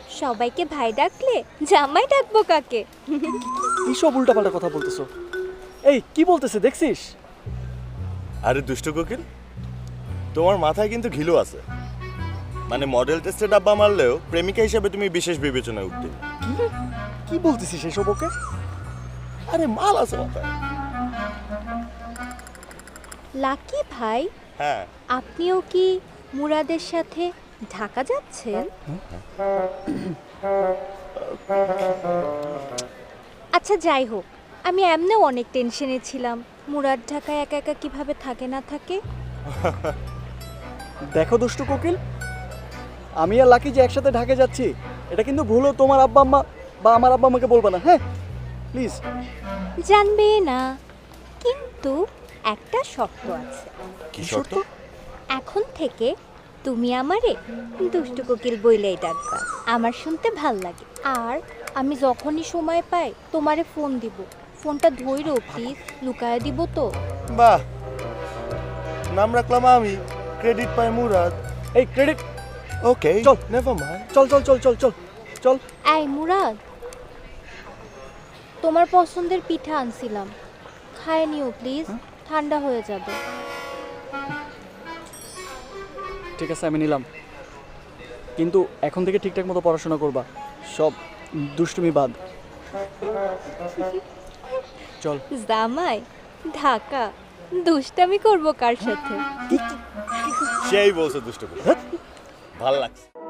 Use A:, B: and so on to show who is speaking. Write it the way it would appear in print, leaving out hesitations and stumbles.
A: সবাইকে ভাই ডাকলে জামাই ডাকবো কাকে?
B: কি সব উল্টাপাল্টা কথা বলতেছো? এই কি বলতেছে দেখছিস?
C: আরে দুষ্ট কোকিল, তোমার মাথায় কিন্তু ঘিলু আছে। মানে মডেল টেস্টে ডাব্বা মারলেও প্রেমিকা হিসেবে তুমি বিশেষ বিবেচনায় উঠতে।
B: কি বলতেছিস এসব ওকে?
C: আরে মাল আছে মাথায়।
A: লাকি ভাই,
C: হ্যাঁ,
A: আপনিও কি মুরাদের সাথে ঢাকা যাচ্ছেন? আচ্ছা যাই হোক, আমি এমনিও অনেক টেনশনে ছিলাম। মুরাদ ঢাকায় একা একা কিভাবে থাকে না থাকে।
B: দেখো দুষ্টু কোকিল, আমি আর লাকি যে একসাথে ঢাকে যাচ্ছি এটা কিন্তু ভুলও তোমার আব্বা আম্মা বা আমার আব্বা আমাকে বলবে না, হ্যাঁ প্লিজ।
A: জানবে না, কিন্তু একটা শর্ত আছে।
C: কি শর্ত?
A: এখন থেকে তুমি আমারে দুষ্টু কোকিল বইলেই ডাকবা, আমার শুনতে ভাল লাগে। আর আমি যখনই সময় পাই তোমারে ফোন দিব, ফোনটা ধইরো প্লিজ, লুকায় দিব তো।
C: বাহ, নাম রাখলাম আমি, ক্রেডিট পাই মুরাদ।
B: এই ক্রেডিট।
C: ওকে,
B: চল।
C: Never mind.
B: চল চল চল চল চল চল।
A: এই মুরাদ, তোমার পছন্দের পিঠা আনছিলাম, খায় নিও প্লিজ, ঠান্ডা হয়ে যাবে।
B: ঠিক আছে আমি নিলাম, কিন্তু এখন থেকে ঠিকঠাক মতো পড়াশোনা করবা, সব দুষ্টুমি বাদ। চল।
A: জামাই ঢাকা, দুষ্টামি করবো কার সাথে?
C: সেই বলছে দুষ্ট কোকিল, ভাল লাগছে।